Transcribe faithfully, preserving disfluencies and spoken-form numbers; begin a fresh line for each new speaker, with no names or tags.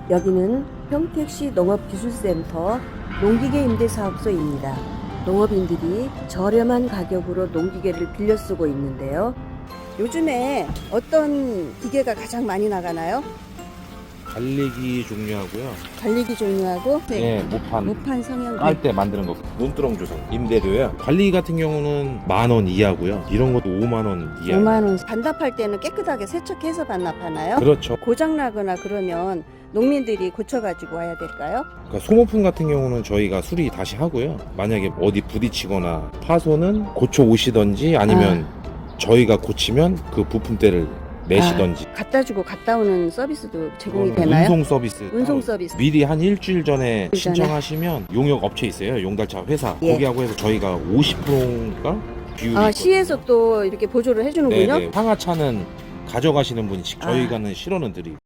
여기는 평택시 농업기술센터 농기계 임대사업소입니다. 농업인들이 저렴한 가격으로 농기계를 빌려 쓰고 있는데요. 요즘에 어떤 기계가 가장 많이 나가나요?
달리기 종류하고요.
달리기 종류하고
네, 모판
모판 성형
깔 때 만드는 거. 논두렁 조성 임대료요. 달리기 같은 경우는 만 원 이하고요. 이런 것도 오만 원 이하.
오만 원. 반납할 때는 깨끗하게 세척해서 반납하나요?
그렇죠.
고장 나거나 그러면 농민들이 고쳐가지고 와야 될까요?
그러니까 소모품 같은 경우는 저희가 수리 다시 하고요. 만약에 어디 부딪히거나 파손은 고쳐 오시던지 아니면 저희가 고치면 그 부품대를 내시던지.
아, 갖다 주고 갔다 오는 서비스도 제공이
그거는
되나요?
운송 서비스.
운송
따로
서비스.
미리 한 일주일 전에
일주일 전에?
신청하시면 용역 업체 있어요. 용달차 회사.
예.
거기하고 해서 저희가 오십 퍼센트인가 비율이
아,
있거든요.
시에서 또 이렇게 보조를 해주는군요.
네네. 상하차는 가져가시는 분이 직-
아.
저희가는 실어는 드리고.